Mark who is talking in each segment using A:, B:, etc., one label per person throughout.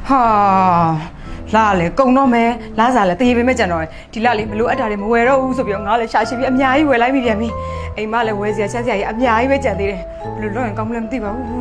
A: လာလေကုံတော့မယ်လာစားလေတရေပင်မဲ့ကြံတော့ဒီလလေးမလို့အပ်တာတွေမဝယ်တော့ဘူးဆိုပြီးတော့ငါလည်းရှာရှင်းပြီးအများကြီးဝယ်လိုက်မိပြန်ပြီအိမ်မလည်းဝယ်စရာချက်စရာကြီးအများကြီးပဲကြံသေးတယ်ဘယ်လိုလုပ်ရင်ကောင်းမလဲမသိပါဘူး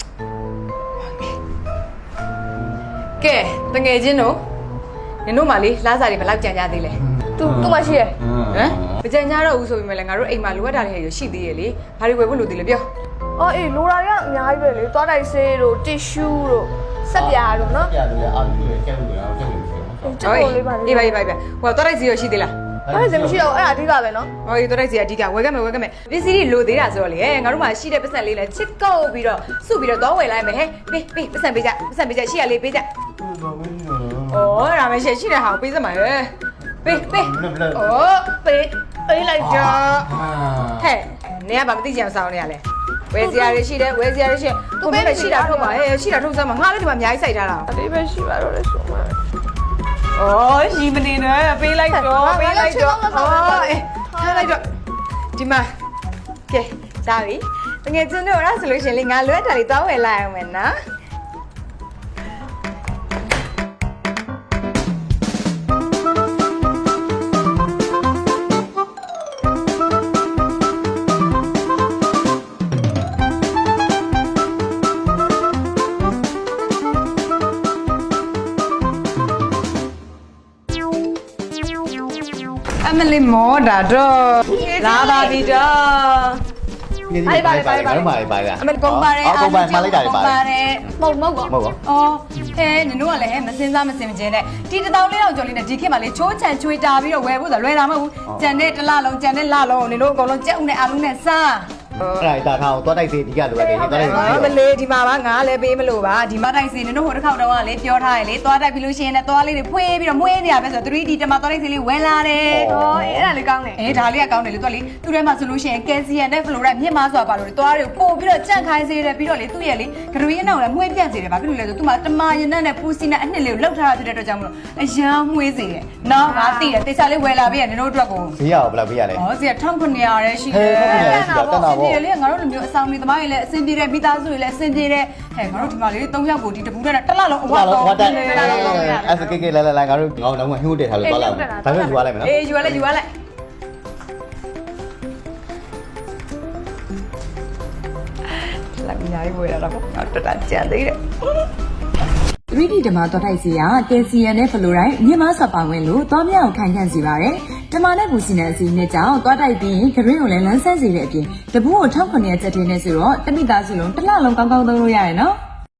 A: ကဲတငယ်ချင်းတို့နင်တို့မှလေလာစားတွေဘယ်လောက်ကြံကြသေးလဲ
B: သူမရှိရ
A: ဟမ်မကြံကြတော့ဘူးဆိုပြီးမှလည်းငါတို့အိမ်မှာလိုအပ်တာတွေရှိသေးရဲ့လေဘာတွေဝယ်ဖို့လိုသေးလဲပြော
B: အော်အေးလိုတာကအများကြီးပဲလေသွားတိုက်ဆေးတို့တစ်ရှူးတို့ဆက်ပြားတို့နော်
C: ပြားလို့အာလူတွေကျက်လို့ရအောင်ကျက်လို့ရှိအောင်
B: ကျုပ်တို့လေးပါလေ
A: အေးပါဟိုသွားတိုက်စီရရှိသေးလား
B: အဲ့ဒါမရှိတော့အဲ့ဒါအဓိကပဲနော်
A: ဟောဒီသွားတိုက်စီအဓိကဝယ်ခဲ့မယ်ပစ္စည်းတွေလိုသေးတာဆိုတော့လေငါတို့မှာရှိတဲ့ပတ်စံလေးလဲချစ်ကုတ်ပြီးတော့စုပြီးတော့သွားဝယ်လိုက်မယ်ဟဲ့ပေးပတ်စံပေးကြရှိရလေးပေးကြဩဒါမှရှိတဲ့ဟာကိုပေးစမှာဟဲ့ပေးဩပေးလိုက်ကြဟဲ့နေကဘာမသိကြအောင်စောင်းနေရလဲဝယ်စရာတွေရှိတယ်သူမင်းပဲရှိတာထုတ်ပါဟဲ့ရှိတာထုတ်စမ်းမှာငါလည်းဒီမှာအများကြီးစိုက်ထားတာ
B: အသေးပဲရှိပါတော့လေဆိုမှ
A: ဩရီမနေနဲ့ပေးလိုက်တော့ထားလိုက်တော့ဒီမှာကဲစားပြီတကယ်ချင်းတို့အဲ့ဆိုလို့ရှင်လေငါလွယ်တာလေးတောင်းဝယ်လိုက်အောင်မယ်နော်အမလေးမောတာတော့လာပါပြီတော့
C: ပါလား
A: အမလေးကုန်ပါတယ်
C: ကုန်ပါမလိုက်တာတွေပါတယ်
B: မဟုတ်ကော
A: အော်နင်တို့ကလည်းမစင်စားမစင်မကျင်းနဲ့ဒီ1400ကျော်လေးနဲ့ဒီခေတ်မှာလေချိုးချန်ချွေတာပြီးတော့ဝယ်ဖို့ဆိုလွယ်တာမဟုတ်ဘူးကြံတဲ့တစ်လလုံးကြံတဲ့လလုံးနင်တို့အကုန်လုံးကြက်ဥနဲ့အာလူနဲ့စား
C: အဲ့ဒါတာထားအောင်သွားတိုက်စေဒီကလိုပဲဒီသွားတိုက်စေ
A: မလေးဒီမှာပါငါလည်းပေးမလို့ပါဒီမှာတိုက်စေနင်တို့ဟိုတစ်ခေါက်တော့ကလေပြောထားရလေသွားတိုက်ပြီးလို့ရှိရင်လည်းသွားလေးတွေဖွေးပြီးတော့မွေးနေရပဲဆိုတော့ 3D တမသွားတိုက်စေလေးဝင်လာတယ်
B: ဟောအဲ့ဒါလေးကောင်းတယ်
A: ဒါလေးကကောင်းတယ်လေသူကလေသူ့ထဲမှာဆိုလို့ရှိရင်ကယ်ဆီယမ်နဲ့ဖလိုရိုက်မြင့်မားဆိုတာပါလို့သွားတွေကိုပို့ပြီးတော့ကြန့်ခိုင်းစေတယ်ပြီးတော့လေသူ့ရဲ့လေဂရွေးအနောက်လည်းမွေးပြန့်စေတယ်ဗာဖြစ်လို့လဲဆိုသူ့မှာတမာရင်နဲ့ပူစီနဲ့အနှစ်လေးကိုလှုပ်ထားတာဖြစ်တဲ့အတွက်ကြောင့်မလို့အရန်မွေးစေတယ်နော်ငါသိတယ်တေချာလေးဝယ်လာပေးရနင်တို့အတွက်ကို
C: ဈေးရအောင်ဘယ်လောက်ပေးရလဲ
A: ဩဈေး1900ရဲရှိတယ်လေငါတို့လိုမျိုးအဆောင်တွေသမားတွေလည်းအဆင်ပြေတယ်မိသားစုတွေလည်းအဆင်ပြေတယ်ဟဲ့ငါတို့ဒီမှာလေ3ယောက်ကိုဒီတပူးနဲ့တစ်လလုံးအဝတ်တော့
C: အဲ့စကေလာငါတို့ငေါလုံးဝဟိုးတက်ထားလို့သွားလာမယ်ဒါပေမဲ့ယူရလိုက်မယ်နော်
A: အေးယူရလိုက်လာမြားရေးဝယ်ရတော့ငါတက်တာကြံသေးတယ်
D: 3D ဓမ္မတော်ထိုက်စီကကယ်ဆီယမ်နဲ့ဖလိုရိုက်မြင့်မားစွာပါဝင်လို့သွားမြောက်ခိုင်ခန့်စေပါတယ်။ဓမ္မနဲ့ဘူစီနဲ့အစီနဲ့ကြောင့်သွားတိုက်ပြီးဂရင်းကိုလည်းလမ်းဆန်းစေတဲ့အပြင်တပူးကို1900ကျပ်ထင်းနေဆိုတော့တမိသားစုလုံးတစ်လလုံးကောင်းကောင်းသုံးလို့ရတယ်နော်။